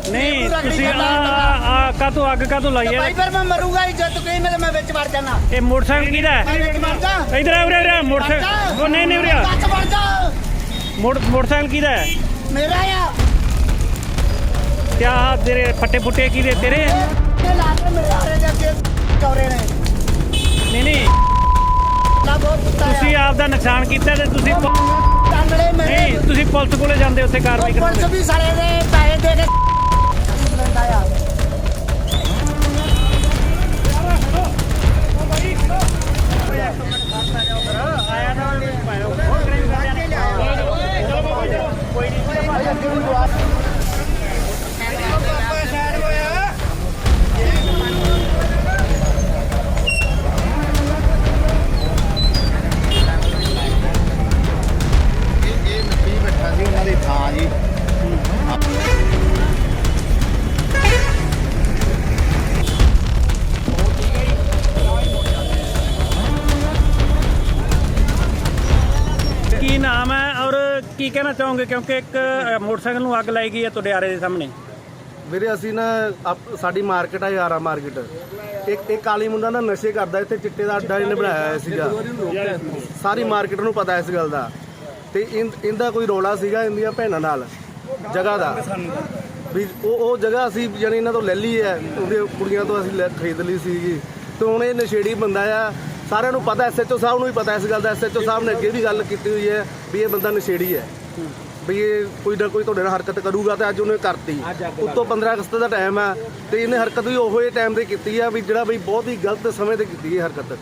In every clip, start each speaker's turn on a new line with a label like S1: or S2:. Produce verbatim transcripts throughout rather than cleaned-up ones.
S1: ਨਹੀਂ ਤੁਸੀਂ ਆ ਆ ਕਾਹਤੋਂ ਅੱਗ ਕਾਹਤੋਂ ਲਾਈ ਹੈ?
S2: ਭਾਈ ਫਿਰ ਮੈਂ ਮਰੂੰਗਾ ਹੀ ਜਦ ਤੂੰ ਕਹੀਂ ਮੈਂ ਮੈਂ ਵਿੱਚ ਵੜ ਜਾਣਾ।
S1: ਇਹ ਮੋਟਰਸਾਈਕਲ ਕਿਹਦਾ ਹੈ?
S2: ਮੈਂ ਵਿੱਚ ਵੜ ਜਾ।
S1: ਇਧਰ ਆ ਉਰੇ ਮੋਟਰਸਾਈਕਲ। ਉਹ ਨਹੀਂ ਨਹੀਂ ਉਰੇ
S2: ਵਿੱਚ ਵੜ ਜਾ।
S1: ਮੋਟਰ ਮੋਟਰਸਾਈਕਲ ਕਿਹਦਾ ਹੈ?
S2: ਮੇਰਾ ਆ।
S1: ਕਿਆ ਤੇਰੇ ਫੱਟੇ ਫੁੱਟੇ ਕਿਹਦੇ ਤੇਰੇ?
S2: ਇਹ ਲਾ ਕੇ ਮੇਰੇ ਆਰੇ ਦੇ ਅੱਗੇ ਚੌਰੇ ਨੇ।
S1: ਨਹੀਂ ਨਹੀਂ
S2: ਲਾ ਬਹੁਤ ਕੁੱਤਾ ਆ।
S1: ਤੁਸੀਂ ਆਪ ਦਾ ਨੁਕਸਾਨ ਕੀਤਾ ਤੇ ਤੁਸੀਂ ਪ-
S2: ਟਾਂਗੜੇ ਮੇਰੇ।
S1: ਨਹੀਂ ਤੁਸੀਂ ਪੁਲਿਸ ਕੋਲੇ ਜਾਂਦੇ ਉੱਥੇ ਕਾਰਵਾਈ
S2: ਪੁਲਿਸ
S1: ਕਰਦੇ।
S2: ਵੀ ਸਾਲੇ ਦੇ ਪੈਸੇ ਦੇ ਕੇ ਲੈਂਦਾ ਆ।
S3: ਉਹਨਾਂ ਦੀ ਥਾਂ ਜੀ
S1: ਕੀ ਨਾਮ ਹੈ ਔਰ ਕੀ ਕਹਿਣਾ ਚਾਹੋਗੇ ਕਿਉਂਕਿ ਇੱਕ ਅ, ਮੋਟਰਸਾਈਕਲ ਨੂੰ ਅੱਗ ਲਾਈ ਗਈ ਹੈ ਤੁਹਾਡੇ ਆਰੇ ਦੇ ਸਾਹਮਣੇ?
S3: ਵੀਰੇ ਅਸੀਂ ਨਾ ਆਪ- ਸਾਡੀ ਮਾਰਕੀਟ ਆ ਯਾਰਾ ਮਾਰਕੀਟ। ਇੱਕ ਇੱਕ ਕਾਲੀ ਮੁੰਡਾ ਨਾ ਨਸ਼ੇ ਕਰਦਾ, ਇੱਥੇ ਚਿੱਟੇ ਦਾ ਅੱਡਾ ਇਹਨੇ ਬਣਾਇਆ ਹੋਇਆ ਸੀਗਾ। ਸਾਰੀ ਮਾਰਕੀਟ ਨੂੰ ਪਤਾ ਇਸ ਗੱਲ ਦਾ। ਤੇ ਇਨ- ਇਹਦਾ ਕੋਈ ਰੋਲਾ ਸੀਗਾ ਇਹਦੀਆਂ ਭੈਣਾਂ ਨਾਲ ਜਗ੍ਹਾ ਦਾ ਵੀ ਉਹ ਉਹ ਜਗ੍ਹਾ ਅਸੀਂ ਜਾਨੀ ਇਹਨਾਂ ਤੋਂ ਲੈ ਲਈ ਹੈ, ਉਹਦੇ ਕੁੜੀਆਂ ਤੋਂ ਅਸੀਂ ਲੈ- ਖਰੀਦ ਲਈ ਸੀਗੀ। ਤੇ ਹੁਣ ਇਹ ਨਸ਼ੇੜੀ ਬੰਦਾ ਆ, ਸਾਰਿਆਂ ਨੂੰ ਪਤਾ, ਐਸਐਚਓ ਸਾਹਿਬ ਨੂੰ ਵੀ ਪਤਾ ਇਸ ਗੱਲ ਦਾ। ਐਸਐਚਓ ਸਾਹਿਬ ਨੇ ਅੱਗੇ ਵੀ ਗੱਲ ਕੀਤੀ ਹੋਈ ਹੈ ਵੀ ਇਹ ਬੰਦਾ ਨਸ਼ੇੜੀ ਹੈ, ਵੀ ਇਹ ਕੋਈ ਨਾ ਕੋਈ ਤੁਹਾਡੇ ਨਾਲ ਹਰਕਤ ਕਰੂਗਾ। ਤੇ ਅੱਜ ਉਹਨੇ ਕਰਤੀ। ਉੱਤੋਂ ਪੰਦਰਾਂ ਅਗਸਤ ਦਾ ਟਾਈਮ ਹੈ ਤੇ ਇਹਨੇ ਹਰਕਤ ਵੀ ਉਹੋ ਜਿਹੇ ਟਾਈਮ ਤੇ ਕੀਤੀ ਆ ਵੀ ਜਿਹੜਾ ਵੀ ਬਹੁਤ ਹੀ ਗਲਤ ਸਮੇਂ ਤੇ ਕੀਤੀ ਹੈ ਹਰਕਤ।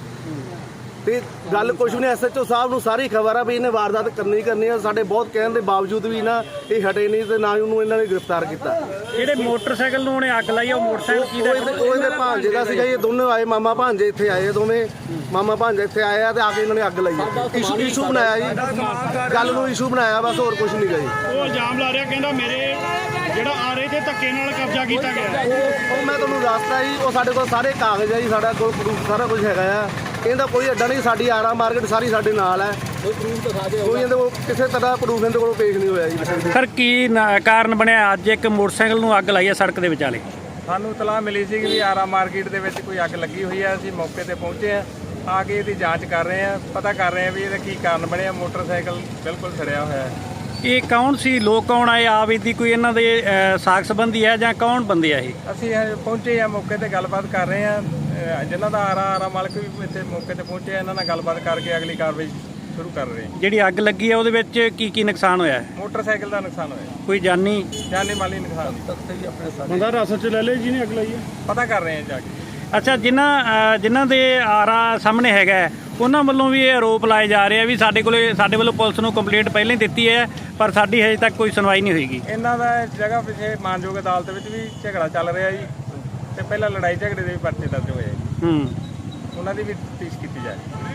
S3: ਤੇ ਗੱਲ ਕੁਛ ਵੀ ਨਹੀਂ, ਐਸਐਚਓ ਸਾਹਿਬ ਨੂੰ ਸਾਰੀ ਖਬਰ ਆ ਵੀ ਇਹਨੇ ਵਾਰਦਾਤ ਕਰਨੀ ਹੀ ਕਰਨੀ ਆ। ਸਾਡੇ ਬਹੁਤ ਕਹਿਣ ਦੇ ਬਾਵਜੂਦ ਵੀ ਨਾ ਇਹ ਹਟੇ ਨਹੀਂ ਤੇ ਨਾ ਹੀ ਉਹਨੂੰ ਇਹਨਾਂ ਨੇ ਗ੍ਰਿਫਤਾਰ ਕੀਤਾ।
S1: ਜਿਹੜੇ ਮੋਟਰਸਾਈਕਲ ਨੂੰ ਉਹਨੇ ਅੱਗ ਲਾਈ ਆ, ਉਹ ਮੋਟਰਸਾਈਕਲ
S3: ਉਹ
S1: ਕਿਹਦਾ?
S3: ਇਹਦੇ ਉਹ ਇਹਦੇ ਭਾਂਜੇ ਦਾ ਸੀਗਾ। ਇਹ ਦੋਨੋਂ ਆਏ, ਮਾਮਾ ਭਾਂਜੇ ਇੱਥੇ ਆਏ ਆ ਦੋਵੇਂ। ਮਾਮਾ ਭਾਂਜੇ ਇੱਥੇ ਆਏ ਆ ਤੇ ਆ ਕੇ ਇਹਨਾਂ ਨੇ ਅੱਗ ਲਾਈ ਆ। ਇਸ਼ੂ ਇਸ਼ੂ ਬਣਾਇਆ ਜੀ, ਗੱਲ ਨੂੰ ਇਸ਼ੂ ਬਣਾਇਆ, ਬਸ ਹੋਰ ਕੁਝ ਨਹੀਂ ਗਾ ਜੀ।
S4: ਉਹ ਇਲਜ਼ਾਮ ਲਾ ਰਿਹਾ, ਕਹਿੰਦਾ ਮੇਰੇ ਜਿਹੜਾ ਆਰੇ ਤੇ ਧੱਕੇ ਨਾਲ ਕਬਜ਼ਾ ਕੀਤਾ ਗਿਆ।
S3: ਉਹ ਉਹ ਮੈਂ ਤੁਹਾਨੂੰ ਦੱਸਦਾ ਜੀ, ਉਹ ਸਾਡੇ ਕੋਲ ਸਾਰੇ ਕਾਗਜ਼ ਆ ਜੀ, ਸਾਡਾ ਕੋਲ ਪ੍ਰੂਫ ਸਾਰਾ ਕੁਝ ਹੈਗਾ ਆ। ਇਹਦਾ ਕੋਈ ਅੱਡਾ ਨਹੀਂ, ਸਾਡੀ ਆਰਾ ਮਾਰਕੀਟ ਸਾਰੀ ਸਾਡੇ ਨਾਲ ਹੈ। ਕੋਈ ਪ੍ਰੂਫ ਦਿਖਾ ਦਿਓ। ਕੋਈ ਇਹਦੇ ਕੋਲ ਕਿਸੇ ਤਰ੍ਹਾਂ ਪ੍ਰੂਫ ਇਹਦੇ ਕੋਲ ਪੇਸ਼ ਨਹੀਂ ਹੋਇਆ ਜੀ।
S1: ਸਰ ਕੀ ਨਾ- ਕਾਰਨ ਬਣਿਆ ਅੱਜ ਇੱਕ ਮੋਟਰਸਾਈਕਲ ਨੂੰ ਅੱਗ ਲਾਈ ਹੈ ਸੜਕ ਦੇ ਵਿਚਾਲੇ?
S5: ਸਾਨੂੰ ਤਲਾਹ ਮਿਲੀ ਸੀ ਕਿ ਵੀ ਆਰਾ ਮਾਰਕੀਟ ਦੇ ਵਿੱਚ ਕੋਈ ਅੱਗ ਲੱਗੀ ਹੋਈ ਹੈ। ਅਸੀਂ ਮੌਕੇ ਤੇ ਪਹੁੰਚੇ ਆ ਆ ਕੇ ਇਹਦੀ ਜਾਂਚ ਕਰ ਰਹੇ ਆ, ਪਤਾ ਕਰ ਰਹੇ ਆ ਵੀ ਇਹਦਾ ਕੀ ਕਾਰਨ ਬਣਿਆ। ਮੋਟਰਸਾਈਕਲ ਬਿਲਕੁਲ ਸੜਿਆ ਹੋਇਆ ਹੈ।
S1: ਇਹ ਕੌਣ ਸੀ? ਲੋਕ ਕੌਣ ਆਏ? ਆਪ ਇਹਦੀ ਕੋਈ ਇਹਨਾਂ ਦੇ ਅ, ਸਾਕ ਸੰਬੰਧੀ ਹੈ ਜਾਂ ਕੌਣ ਬੰਦੇ ਆ ਇਹ?
S5: ਅਸੀਂ ਹਜੇ ਪਹੁੰਚੇ ਆ ਮੌਕੇ ਤੇ, ਗੱਲਬਾਤ ਕਰ ਰਹੇ ਆ। ਅਹ ਜਿਨ੍ਹਾਂ ਦਾ ਆਰਾ ਆਰਾ ਮਾਲਕ ਵੀ ਇੱਥੇ ਮੌਕੇ ਤੇ ਪਹੁੰਚੇ ਆ, ਇਹਨਾਂ ਨਾਲ ਗੱਲਬਾਤ ਕਰਕੇ ਅਗਲੀ ਕਾਰਵਾਈ ਸ਼ੁਰੂ ਕਰ ਰਹੇ ਆ।
S1: ਜਿਹੜੀ ਅੱਗ ਲੱਗੀ ਹੈ ਉਹਦੇ ਵਿੱਚ ਕੀ ਕੀ ਨੁਕਸਾਨ ਹੋਇਆ ਹੈ?
S5: ਮੋਟਰਸਾਈਕਲ ਦਾ ਨੁਕਸਾਨ ਹੋਇਆ,
S1: ਕੋਈ ਜਾਨੀ?
S5: ਜਾਨੀ ਮਾਲੀ ਨੁਕਸਾਨ ਨਹੀਂ।
S4: ਬੰਦਾ ਰਸਤ ਚ ਲੈ ਲੈ ਜਿਹਨੇ ਅੱਗ ਲਾਈ ਹੈ।
S5: ਪਤਾ ਕਰ ਰਹੇ ਆ ਜਾ ਕੇ।
S1: ਅੱਛਾ, ਜਿਨ੍ਹਾਂ ਅ, ਜਿਨ੍ਹਾਂ ਦੇ ਆਰਾ ਸਾਹਮਣੇ ਹੈਗਾ ਹੈ, ਉਹਨਾਂ ਵੱਲੋਂ ਵੀ ਇਹ ਆਰੋਪ ਲਾਏ ਜਾ ਰਹੇ ਆ ਵੀ ਸਾਡੇ ਕੋਲੇ ਸਾਡੇ ਵੱਲੋਂ ਪੁਲਿਸ ਨੂੰ ਕੰਪਲੇਂਟ ਪਹਿਲਾਂ ਹੀ ਦਿੱਤੀ ਹੈ ਪਰ ਸਾਡੀ ਹਜੇ ਤੱਕ ਕੋਈ ਸੁਣਵਾਈ ਨਹੀਂ ਹੋਈਗੀ।
S5: ਇਹਨਾਂ ਦਾ ਇਸ ਜਗ੍ਹਾ ਪਿੱਛੇ ਮਾਨਯੋਗ ਅਦਾਲਤ ਵਿੱਚ ਵੀ ਝਗੜਾ ਚੱਲ ਰਿਹਾ ਜੀ, ਤੇ ਪਹਿਲਾਂ ਲੜਾਈ ਝਗੜੇ ਦੇ ਵੀ ਪਰਚੇ ਦਰਜ ਹੋਏ।
S1: ਹੂੰ
S5: ਉਹਨਾਂ ਦੀ ਵੀ ਤਫਤੀਸ਼ ਕੀਤੀ ਜਾਏ।